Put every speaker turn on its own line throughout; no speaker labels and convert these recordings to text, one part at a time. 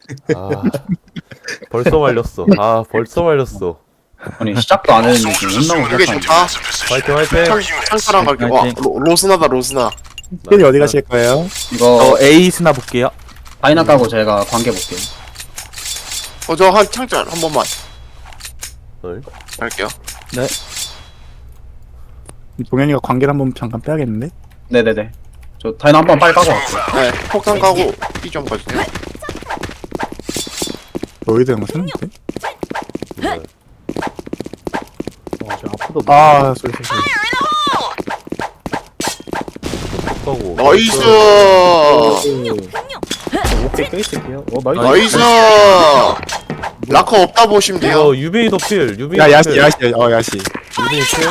아, 벌써 말렸어. 아, 벌써 말렸어.
아니 시작도 안 했는데 지금 혼나고
이게
시작하는
좋다.
화이팅, 화이팅.
창사랑 갈게. 와, 로스나다, 로스나.
힐이 어디 가실 거예요?
이거
A 스나 볼게요.
다이나 까고 제가 관계 볼게요.
저 한 창짤 한 번만
헐.
갈게요.
동현이가 관계를 한번 잠깐 빼야겠는데?
네네네. 저 다이나 한 번 빨리 까고 갈게요.
네, 폭탄 까고 B 좀 가주세요.
로이드 형거 쓰는데?
네.
아, 소리.
가고.
나이스!
오케이 껴있을게요. 나이스.
나이스! 라커 없다 보시면 돼요.
이거 유빈이 더 필. 유빈이
야,
더
야시,
필.
야시, 야시.
유빈이 필.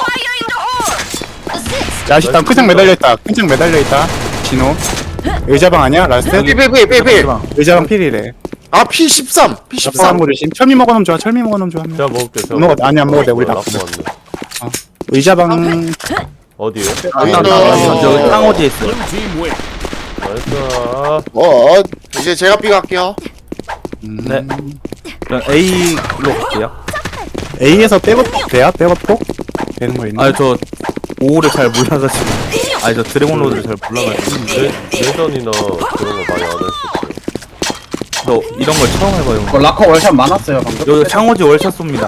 야시, 일단 큰창 매달려있다. 큰창 매달려있다. 진호. 의자방 아니야? 라스트?
필.
의자방 필이래.
아, P13!
P13
P13!
거 조심. 철미 먹어놓으면 좋아. 철미 먹어놓으면 좋아. 한 명.
제가 먹을게. 제가
먹어. 아니, 안 먹어도 돼. 우리 다
라프
먹어.
왔네.
의자방
어디에요?
저 상어지에 있어요.
나이스.
이제 제가 B 갈게요.
네. 그럼 A로 갈게요.
A에서 백업 돼야? 백업 폭? 되는 거 있나?
아니 저 5를 잘 몰라가지고. 아니 저 드래곤 로드를 잘 몰라가지고.
내전이나 그런 거 많이 안 했었어요.
저 이런 걸 처음 해봐요.
이거 라커 월샷 많았어요 방금.
여기 창호지 월샷 쏩니다.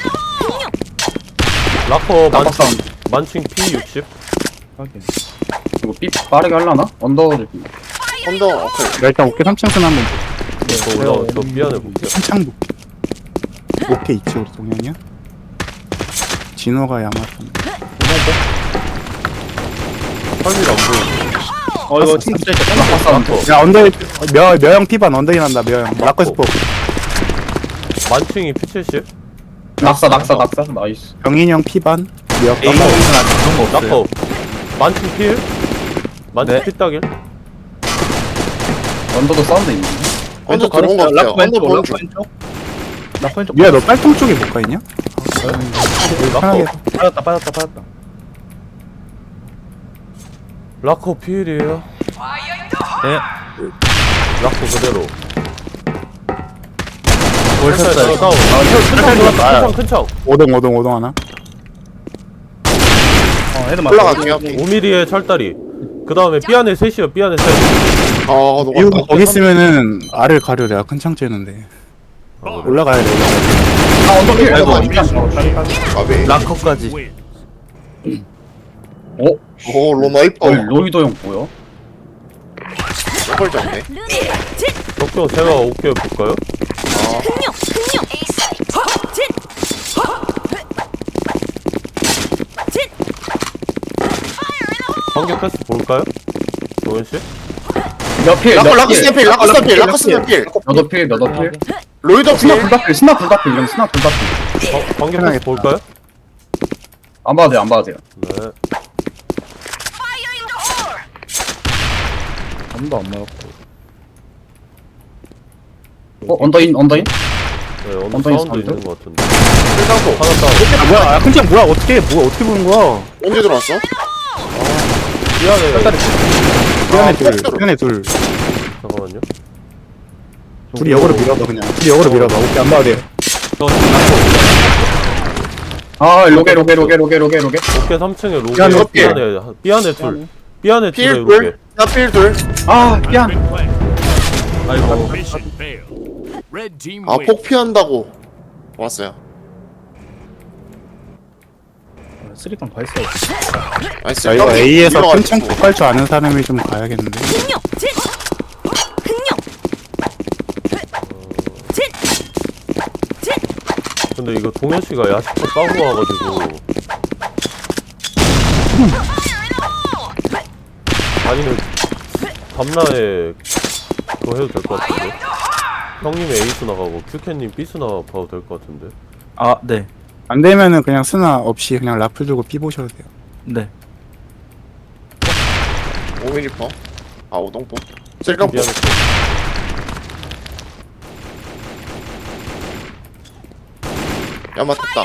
라커
라커 사운드.
만칭 P60.
이거 삐 빠르게 하려나? 언더 좀.
언더, 오케이.
나 일단 오케이 3층 쓰나 한번
저 올라, 저 미안해 볼게요.
3창 볼게. 오케이 있지 우리 동현이야? 진호가 야마토.
설미를 안 보이네.
이거 진짜 라커 사운드.
야 언더 묘형 피반 언더인 한다 묘형. 라커스 폭.
만칭이 P70.
낙사 나이스.
병인이 형 피반. 묘.
A 스나 그런 거 없어요.
라커. 만칭 필. 만칭
네.
필따길.
언더도 사운드 있네.
언더 들어온 거 같아요. 언더 보는 중.
미야 너 빨통 쪽에 못 가 있냐? 편하게.
라커. 빠졌다. 라커 필이에요.
네.
라커 그대로.
월샷 쏴요.
다운. 큰 척.
오동 하나.
올라갈게요.
5mm의 철다리. 그 다음에 B 안에 셋이요. B 안에 셋.
이거
녹았다.
거기 있으면은 알을 가려려 큰 창 째는데 올라가야 돼.
언더 필.
아이고,
아이고.
가비.
락커까지.
오, 로나 이뻐.
로이도 형 뭐야?
저걸 잡네.
덕경 제가 오케이 볼까요? 관계 패스 볼까요? 도현 씨?
몇 필?
라커 스냅필.
몇어 필?
로이더
스나
필.
불다필. 스나 불다필. 이런 스나 불다필.
관계 패스
편하겠다.
볼까요?
안 봐도 돼요.
네.
언더인?
네, 어느
엉덩이
사운드
사운드?
있는 것 같은데.
필상포.
하나 다운.
뭐야? 큰 창 뭐야? 어떻게 보는 거야?
언제 들어왔어?
미안해.
피안에 둘.
폭도로.
피안에 둘.
잠깐만요.
둘이 역으로 밀어봐 그냥. 둘이 역으로 밀어봐. 오케이 안 봐도 돼.
아 로게.
오케이 3층에 로게.
미안해.
B 안에 둘. B 안에 둘에
필
로게.
둘. 나필 둘.
아 미안.
아이고.
Mission failed. Red team
아,
wins.
폭 피한다고. 왔어요. 나이스.
자 이거 A에서 큰 창
밀어가지고.
폭갈 줄 아는 사람이 좀 가야겠는데.
근데 이거 동현 씨가 야식도 까고 와가지고. 아니면 밤라에 그거 해도 될 것 같은데. 형님의 에이스 나가고 큐캔님 B스 나가도 될 것 같은데.
아 네.
안 되면은 그냥 스나 없이 그냥 라플 들고 삐 보셔도 돼요.
네.
5mm 퍼. 아, 오동포. 셀kam포.
미안해.
야, 맞다.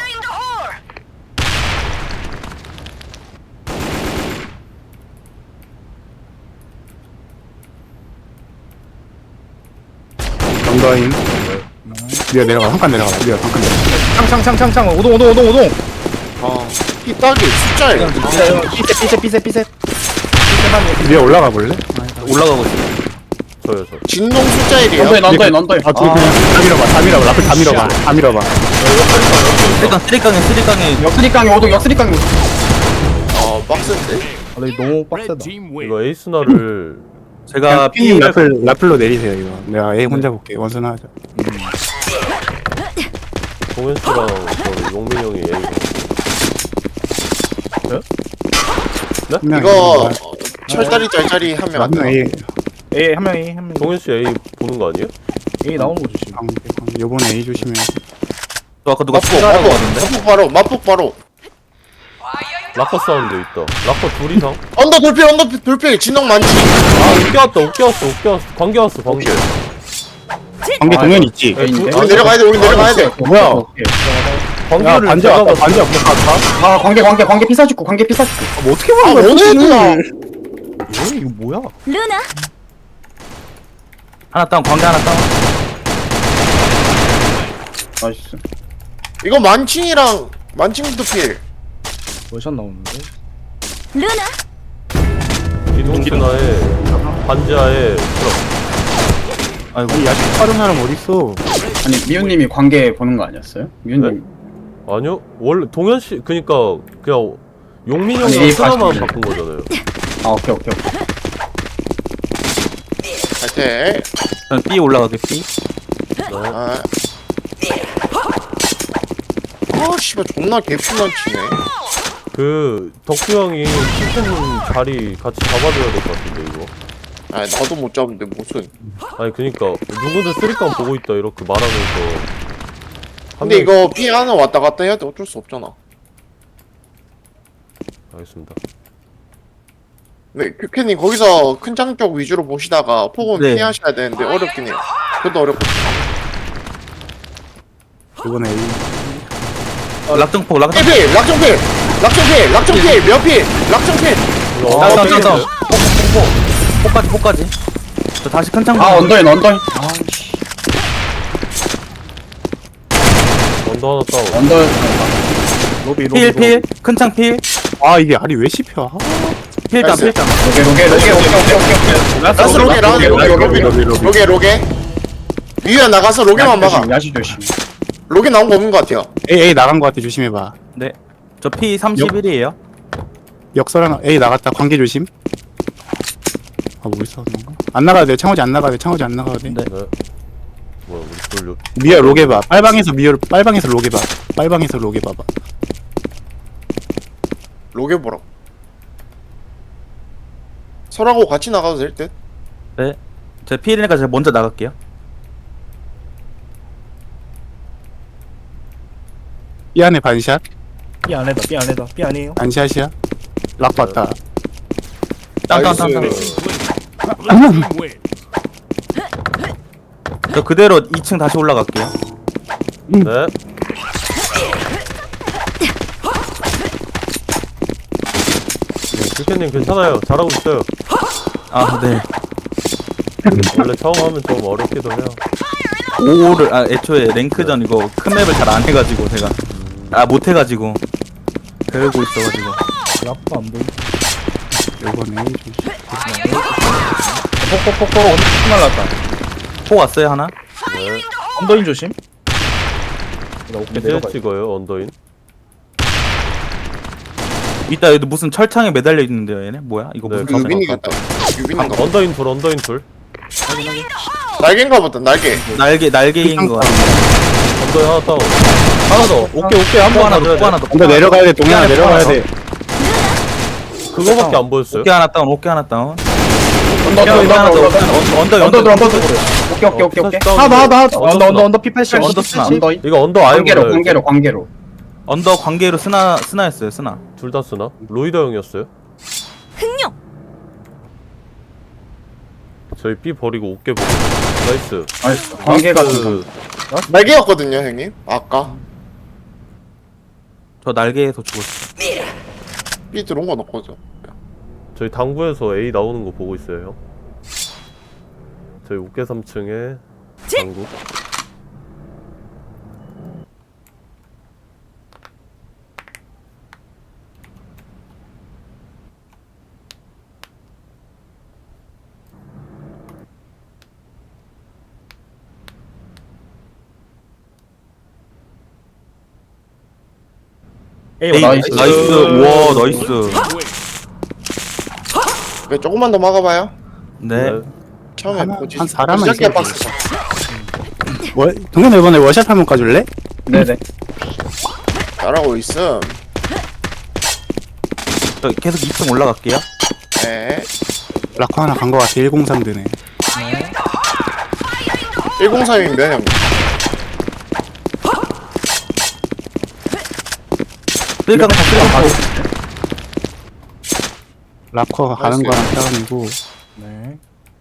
언더인. 미어 내려가. 한 칸 내려가. 미어 한 칸 내려가.
창 오동
이 딱이 숫자예요.
삐셋
미어 올라가 볼래?
올라가고 있어.
저요.
진동 숫자 1이에요.
언더인.
아, 둘 그냥 다 밀어봐. 다 밀어봐. 라플 다 밀어봐. 다 밀어봐.
쓰리깡에
역수리깡이 오동 역수리깡이 오동.
아 빡센데?
너무
Red team win.
이거 에이스나를
제가
피님 라플로 내리세요 이거. 내가 A 혼자 볼게. 원순 하자.
동현 씨랑 저 용민 형이 에이스.
한 명.
이거 철다리 짤짤이 한 명.
한명 A.
한 명이
동현 씨 A 보는 거 아니에요?
A 나오는 거 조심.
요번에 A 조심해.
또 아까 누가
맞폭
추가라고 하던데?
맞폭 바로.
라커 사운드 있다. 라커 둘 이상?
언더 돌필 진동 많지.
아, 웃겨 왔어. 관계 왔어.
관계 동현 있지?
네,
우리 내려가야 돼.
뭐야?
관계를
반지
제가
왔다.
봤을
반지 왔다.
아 관계 피사죽고 관계 피사죽고.
뭐 어떻게
아 원해야
이거 뭐야?
루나
하나 다운 관계 하나 다운.
나이스.
이거 만칭도 필.
월샷 나오는데?
루나
기동스나에 반지하에 트럭.
아니 야식 빠른 사람 어딨어?
아니 미우님이 관계 보는 거 아니었어요? 미우님.
아니요. 원래 동현 씨 그니까 그냥 용민
아니,
형이랑 하나만
다시
바꾼 거잖아요.
아 오케이.
갈때.
저는 B 올라가게 B.
아 씨발 존나 개풀만 치네.
그 덕후 형이 킬팬님 자리 같이 잡아줘야 될 것 같은데 이거.
아 나도 못 잡는데 무슨.
아니 그니까 누구든 쓰리깡 보고 있다 이렇게 말하면서.
근데 이거 B 하나 왔다 갔다 해야 돼. 어쩔 수 없잖아.
알겠습니다.
네, 큐캐님 거기서 큰 장 쪽 위주로 보시다가 폭은
네.
피하셔야 되는데 어렵긴 해요. 그것도 어렵고.
요번에 A.
락정폭
필! 락정필! 몇 필! 락정필!
다운. 폭까지. 저 다시 큰 창.
아 언더인.
언더 하나 다운.
언더인.
로비
필 큰 창 필.
아 이게 알이 왜 씹혀? 아,
필장.
나이스.
로게.
라스 로게. 위에 나가서 로게만 막아.
야시 조심.
로게 나온 거 없는 것 같아요.
A 나간 거 같아. 조심해봐.
네. 저 P 31이에요.
역설 하나. A 나갔다. 관계 조심. 아 뭐 있어 그런가? 안 나가도 돼. 창호지 안 나가도 돼.
네.
네. 뭐야 우리 돌려.
미어 로게 봐. 빨방에서 로게 봐. 빨방에서 로게 봐봐.
로게 보라. 설하고 같이 나가도 될 듯?
네. 제 P이니까 제가 먼저 나갈게요.
B 안에 반샷.
B 안에요.
반샷이야. 락 봤다.
땅.
나이스.
Blue team win.
저 그대로 2층 다시 올라갈게요.
네. 큐캐님 괜찮아요. 잘하고 있어요.
아, 네.
원래 처음 하면 좀 어렵기도 해요.
5를 애초에 랭크전 이거 큰 맵을 잘 안 해가지고 제가 못 해가지고 배우고 있어가지고. 약도 안 보이.
요번에 A 조심.
폭 언더 날랐다. 폭 왔어요 하나?
네.
언더인 조심.
이제 찍어요 언더인.
이따 여기 무슨 철창에 매달려 있는데요 얘네? 뭐야? 이거
네,
무슨
유빈이겠다. 유빈인가 봐.
언더인 둘.
날개인가 보다, 날개.
날개인 거 같아.
언더인 하나 다운. 하나 더. 오케이 한번
하나
더.
더, 하나 더.
언더 내려가야 돼. 동현아 내려가야 돼.
그거밖에 안 보였어요.
오케이 하나 다운.
언더. 오케이. 하나. 언더 P80.
언더 쓰나.
언더인.
이거 언더 아예 몰라요.
관계로.
언더 관계로 스나였어요 스나.
둘 다 쓰나? 로이더 형이었어요.
흥룡
저희 B 버리고 어깨 보고. 나이스.
나이스. 관계 같은 거.
날개였거든요, 형님. 아까.
저 날개에서 죽었어.
B 들어온 건 없거든.
저희 당구에서 A 나오는 거 보고 있어요 형. 저희 어깨 3층에 당구.
에이,
나이스.
나이스. 와, 나이스.
왜 조금만 더 막아봐요.
네.
처음에
하나,
뭐지?
한 사람은
시작해
있어야지.
박스.
동현아 이번에 워샷 한번 까줄래?
네네.
잘하고 있음.
저 계속 2층 올라갈게요.
네.
라커 하나 간 거 같아. 103 드네.
103이면 몇 형?
쓸강 다 쓸강.
라커 가는
나이스.
거랑 다운이고.
네.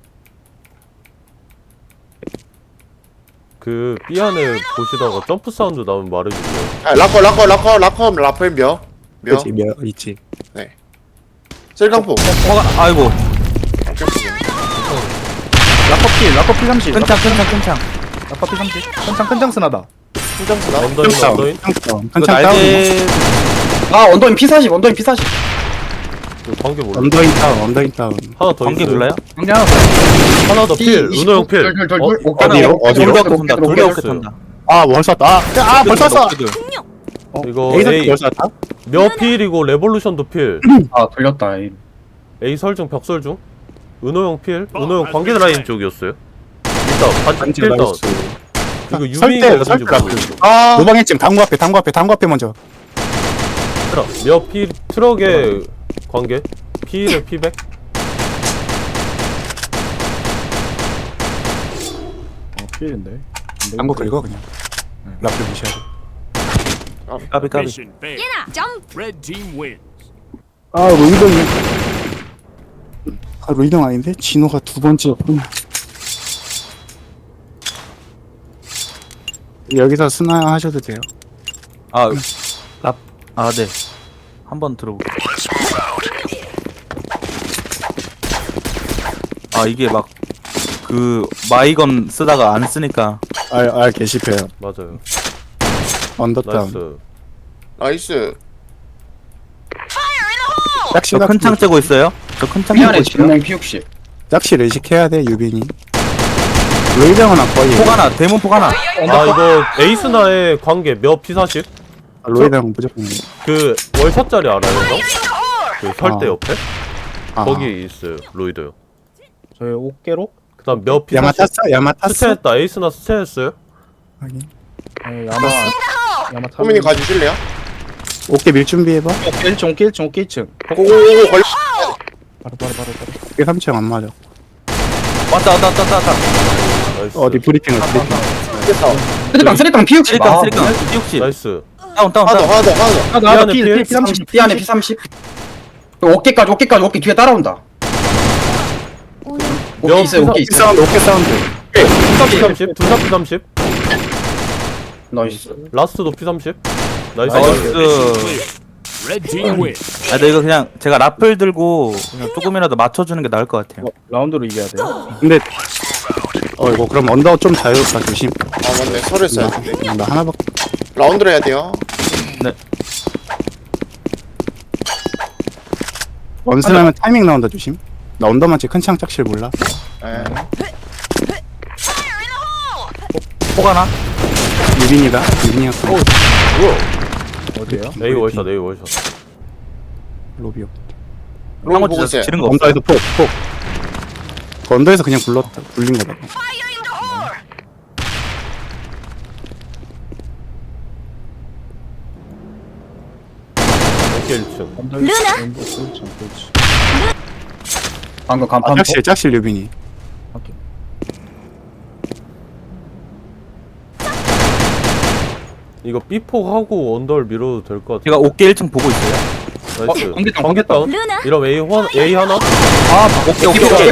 그 B 안에 보시다가 점프 사운드 나오면 말해주세요.
아, 라커 몇?
그치, 몇 있지.
셀강포.
아이고.
라커피 30.
큰창.
라커피 30. 큰창 쓰나다.
신장스나?
언더인 언더인.
큰창
이거
다운.
날개.
아, 언더인 P40. 언더인 P40.
그 관계 몰라.
언더인 다운.
하나 더
관계
있어요.
몰라요?
관계 하나
하나 더 필. 은호 형 필.
어디요? 어디요?
돌격 쏜다. 돌격
어디요?
쏜다.
아, 뭘 쐈다. 벌 쐈어.
흥룡.
이거
A사
A
뭘 쐈다?
몇 필이고 레볼루션도 필.
아, 돌렸다.
A 설중 벽설중. 은호 형 필. 은호 형 관계 라인 쪽이었어요. 일단 반칙 필 다운. 그리고 유미가 어딘지
설대
모르겠어.
아,
노방했지. 당구 앞에 먼저.
몇 필 트럭에 관계. P를 P백.
필인데.
당구 긁어 그냥. 라플 무시하고.
까비.
Mission failed.
예나. 점프.
Red team wins.
아, 로이동 아닌데? 진호가 두 번째였군. 여기서 스나 하셔도 돼요.
아, 네. 한번 들어볼게요. 아, 이게 막, 마이건 쓰다가 안 쓰니까.
게시패요.
맞아요.
언더다운.
나이스.
나이스.
짝시
저 큰 창 째고 있어요? 저 큰 창
P 안에
째고 있어요?
진행 P60.
짝시 레식해야 돼, 유빈이. 로이동은 거의.
폭 하나, 대문 폭 하나.
아 이거 에이스나의 관계 몇 P40?
로이동 무조건.
그 월샷짜리 알아요 형? 그 설대
아.
옆에?
아.
거기 있어요 로이드요.
저희 어깨로?
그 다음 몇
야마
P40?
탔어? 야마 탔어?
스체했다. 에이스나 스체했어요?
확인.
야마
호민이 가주실래요?
어깨 밀 준비해봐.
어깨 1층.
고고고고 걸려.
바로.
어깨 3층 안 맞아.
왔다.
나이스.
어디 브리핑을 브리핑.
됐다.
쓰리깡 P60.
쓰리깡, P60.
나이스.
다운.
하나 더.
나
P 안에
P30. P 안에 P30. 어깨까지 어깨 뒤에 따라온다. 어깨 있어요. 어깨 있어요.
사운드, 어깨 사운드.
P30, 둘다 P30.
나이스.
라스트도 P30. 나이스.
나이스.
Red team wins.
아, 근데 이거 그냥 제가 라플 들고 그냥 조금이라도 맞춰주는 게 나을 것 같아요.
라운드로 이겨야 돼요.
근데 이거 그럼 언더 좀 자유롭다 조심.
아, 맞네. 서류 써야 돼.
나 하나밖에.
라운드로 해야 돼요.
원스나면 타이밍 나온다 조심. 나 언더만 큰 창 짝실 몰라.
예.
폭 하나?
유빈이다. 유빈이가
어디에요?
A 월샷, A 월샷.
로비요.
롤 보고 있어요.
지른 거 없어.
언더에서 폭. 그 언더에서 그냥 굴린 거다.
어깨 1층.
루나.
방금 간판.
짝실 유빈이.
이거 B폭 하고 언더를 밀어도 될 것 같아.
제가 어깨 1층 보고 있어요.
나이스.
관계
다운.
루나.
이러면 A 하나?
어깨.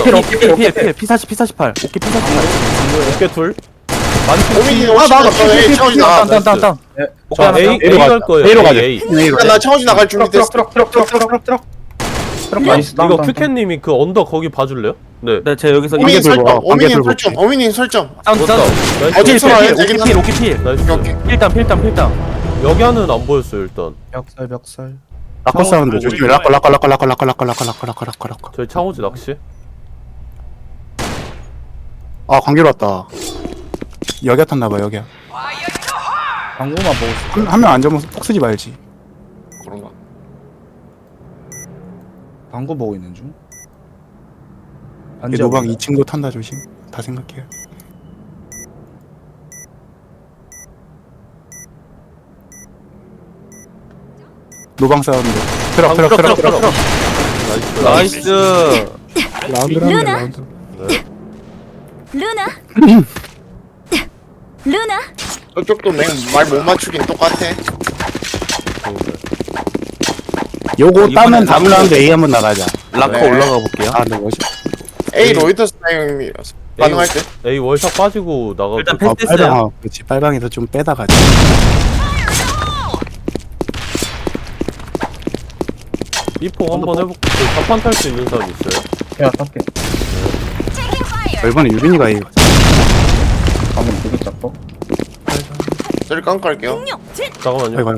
P48. 어깨 P48.
어깨 둘.
호민이 훨씬 더 해. 창호지 나.
다운.
자, A 갈 거예요.
A로 가자.
A.
A로
나 창호지 나갈 준비 됐어.
트럭. 나이스.
이거 큐캔님이 그 언더 거기 봐줄래요? 네.
네, 제가 여기서
관계
뭐,
들고 와, 관계 들고 올게.
어민님 설정.
사운드
좋다.
사운드.
나이스.
어디 있어?
오키필.
나이스.
오케이.
필당.
여기 안은 안 보였어요 일단.
벽살.
라커 사운드 조심해. 라커.
저희 창호지 낚시.
아 관계로 왔다. 여기야 탔나봐 여기야.
방구만 보고 있어.
한 명 앉으면 폭 쓰지 말지.
그런가?
방구 보고 있는 중.
얘 노방 2층도 탄다 조심. 다 생각해요. 노방 사운드. 트럭.
나이스.
나이스.
라운드.
루나 루나
저쪽도 말 못 맞추긴 똑같아.
요거
이번엔
따면 다음
라커.
라운드 A 한번 나가자.
라커
네.
올라가 볼게요.
아, 네, 멋있.
A 로이터 스타일이라서 가능할 듯.
A 월샷 빠지고 나가고.
일단
아,
패스했어요.
빨방, 그렇지. 빨방에서 좀 빼다 가자.
B폭 한번 해볼게. 자판 탈 수 있는 사람 있어요?
야, 탈게.
이번에 유빈이가 A 가자.
방금 되게 작고.
저리 깡깔게요.
흥룡 진
잠깐만요.
아이고,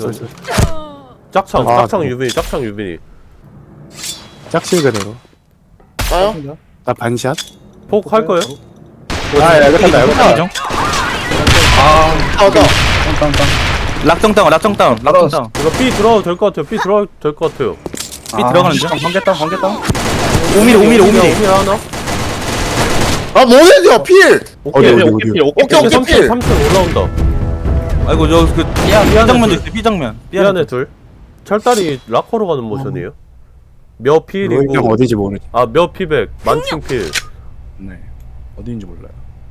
짝창,
아,
짝창
네.
유빈이, 짝창 유빈이.
짝실 그대로.
까요?
나 반샷.
폭 할 거예요?
아, 여기 탄다.
아, 나.
땅땅땅.
락정 다운.
이거 B 들어가도 될 것 같아요. B 들어가도 될 것 같아요.
B 들어가는 중.
관계땅.
5mm.
하나?
아, 뭐해요, 필!
어디.
오케이, 오케이,
3층,
필!
3층 올라온다.
아이고 저 B장면도 있어요. B장면.
미안해, 둘. 철다리 락커로 가는 모션이에요. 몇
로이
필이고,
형 어디지 모르지.
아, 몇 피백, 만층 필.
네. 어디인지 몰라요.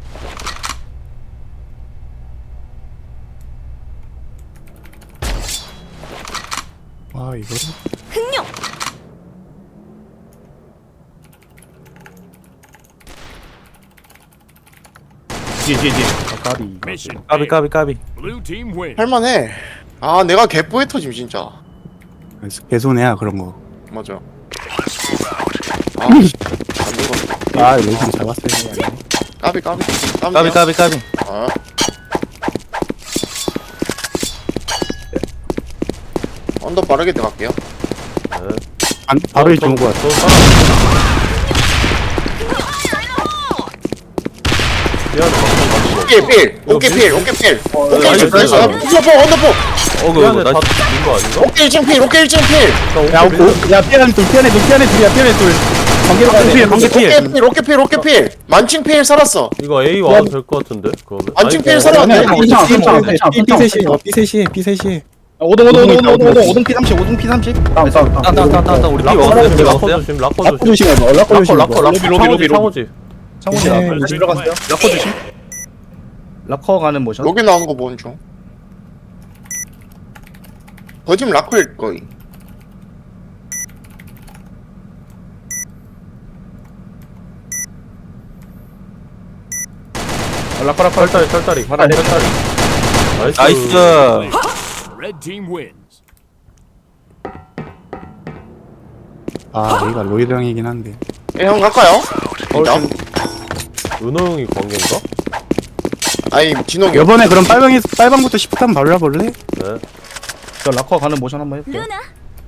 와, 이거를.
흥룡
까비.
Mission
까비.
Blue team win.
할만해. 아, 내가 개뽀에 터짐, 진짜.
개손해야, 그런 거.
맞아. 아, 씨. 안 되겠어.
아, 로이 형 잡았어요.
까비.
까비.
아. 언더 빠르게 들어갈게요.
바로 1점 오고 왔다.
저 사람. 미안해,
오케이, 필. 오케이,
나이스.
나이스. 언더포.
미안해,
나
다 죽인 거 아닌가?
오케이, 1층 필.
야, 피아는 둘.
오케이, 필. 만칭 필 살았어.
이거 A 와도 될 것 같은데, 그거는.
만칭 필
아니,
살았네.
B3시.
오동 P30.
땅. 우리 B 먹었어요.
락커 조심, 락커 조심.
조심해,
락커, 창호지.
창문이 나왔어요. 들어갔어요. 락커 조심. 락커 가는 모션.
여기 나온 거 뭔 중? 거짓 락커일 거이.
락커.
철다리. 나이스.
나이스.
Red team wins.
아, 여기가 로이드 형이긴 한데.
예, 형 갈까요? 일단.
은호 형이 관계인가?
아니, 진홍이.
이번에 그럼 빨방부터 10분 한번 발라볼래?
네.
저 락커 가는 모션 한번 해볼게요.
루나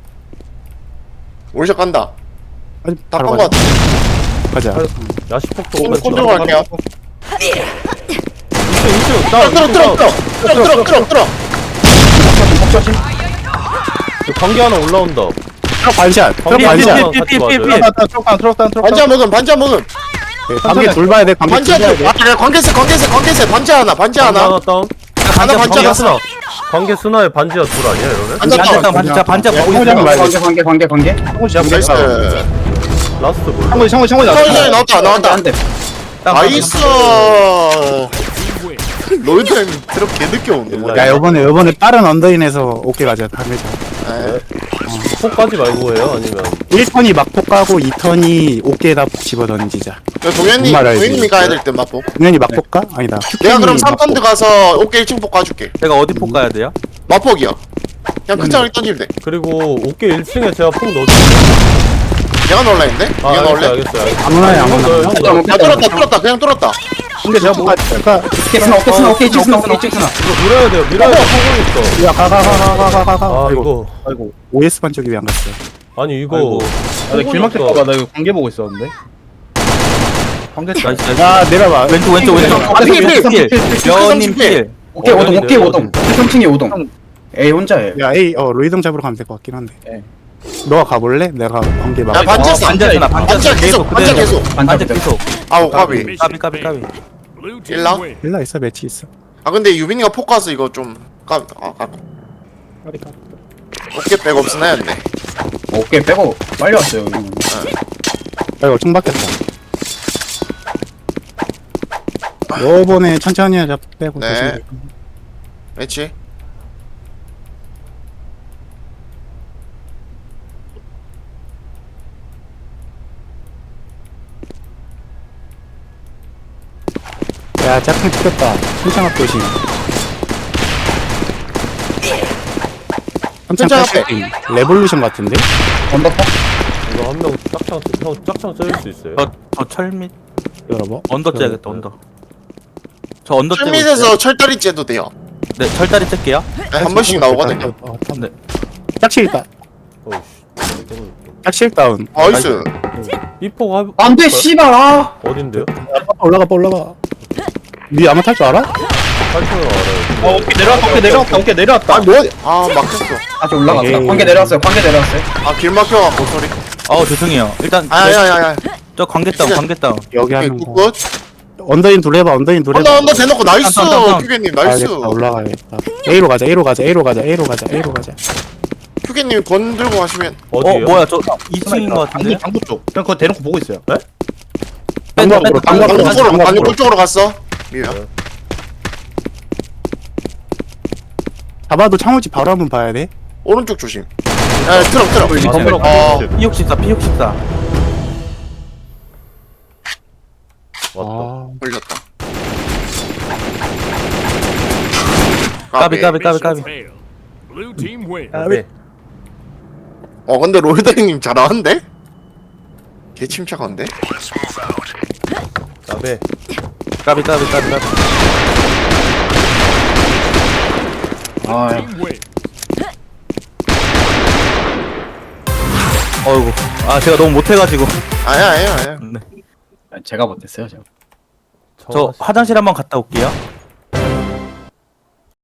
올샷 간다.
아니,
다
바로
깐 거
가자.
같아.
가자.
야시폭도
꼰
오겠죠.
들어갈게요. 끌어.
관계 하나 올라온다.
트럭 반샷. 트럭
관계
반샷.
하나 같이 맞아요.
트럭.
반자 먹음.
관계 둘 봐야 돼. 관계
반자.
둘 봐야 돼.
아, 관계세. 반자 하나.
관계 하나 다운.
하나 반자
관계
하나.
스나. 관계 스나에 반지하 둘 아니야 이러면?
반자 다운.
반자 보고
창호지 한번
있어요.
봐야 돼.
관계.
나이스.
라스트 몰라.
창문이
나왔다. 나이스.
Team win.
로이드 형 드롭 개 늦게 오네.
야, 요번에 빠른 언더인에서 오케이 가자. 다음에 자.
폭까지 말고 해요? 아니면
1턴이 막폭 가고 2턴이 어깨에다 폭 집어 던지자.
동현님이 가야 될 듯 맞보.
당연히 막폭 가? 아니다.
내가 그럼
막폭.
3턴드 가서 어깨 1층 폭 가줄게.
내가 어디 폭 가야 돼요?
맞폭이야. 그냥 큰 장을 던지면 돼.
그리고 어깨 1층에 제가 폭 넣어줄게요.
내가 넣을라 했는데?
아
내가 넣을래?
알겠어요.
아무나 아무나.
아 뚫었다 그냥 뚫었다.
근데 제가 뭐
그러니까
오케이 스나 오케이 스나 오케이 스나 오케이 스나.
이거 밀어야 돼요. 성공 있어.
야가가가가가가.
아
아이고
이거
아이고.
OS 반 쪽이 왜 안 갔어요?
아니 이거
아이고. 아, 나 길막힐까봐 나 이거 관계 보고 있었는데. 관계
나이스 나이스.
야 내려봐.
왼쪽.
아, 필.
여님 필.
오케이 오동 오케이
어딘데?
오동. 3층에 오동. A 혼자예요.
야 A 로이동 잡으러 가면 될 것 같긴 한데.
네.
너가 가볼래? 내가 관계 막.
야 반지했어.
반지하잖아, 반지하잖아.
계속 반지 계속.
반지 계속.
아우 까비.
Mission
까비.
failed. Blue team
일라?
wins.
일라 있어 매치 있어.
아 근데 유빈이가 포커스 이거 좀 까비. 어깨 백 없으나였네.
오케이 빼고 빨리 왔어요. 이거.
아이고 총 바뀌었다. 요번에 천천히 하자 빼고
네.
조심해.
그렇지.
야 짝퉁 찍었다. 천창 조심. 천창
천창
조심. 레볼루션 같은데?
언더퍼?
이거 한 명 짝창 썰릴 수 있어요.
저 철밑
열어봐.
언더 째야겠다 언더. 저 언더 째고 있어요.
철밑에서 철다리 째도 돼요.
네 철다리 째게요.
네, 한 번씩 나오거든요.
네.
짝칠 있다.
어이씨.
짝칠 다운.
나이스.
이포가
안돼 씨발 아.
어딘데요?
올라가. 니 아마 탈 줄 알아?
탈출을 알아요.
오케이 내려왔다 오케이 내려왔다.
아 뭐? 아 막혔어.
다시 올라갔다.
에이.
관계 내려왔어요.
아 길 막혀갖고 소리.
죄송해요. 일단
아야야야.
저 관계 다운 관계 다운.
여기
오케이
하는 거.
굿굿.
언더인 둘 해봐. 언더인 둘 해봐.
언더 대놓고 나이스.
다운.
큐게님 나이스.
알겠다. 올라가야겠다. A로 가자.
큐게님 건 들고 가시면.
어디요?
뭐야 저 2층인 것 같은데.
방구 쪽. 그냥 그거 대놓고 보고 있어요.
방광으로
아니 그쪽으로 갔어. 미야.
잡아도 창호지 바로 한번 봐야 돼.
오른쪽 조심. 야 트럭.
건물
P64 P64.
왔다.
걸렸다.
까비.
Mission failed. Blue team wins.
네.
근데 롤다이님 잘하는데? 개 침착한데?
나베.
까비.
아
Team wins.
어이구. 제가 너무 못해가지고.
아야.
네.
제가 못했어요 제가.
저 화장실 한번 갔다 올게요.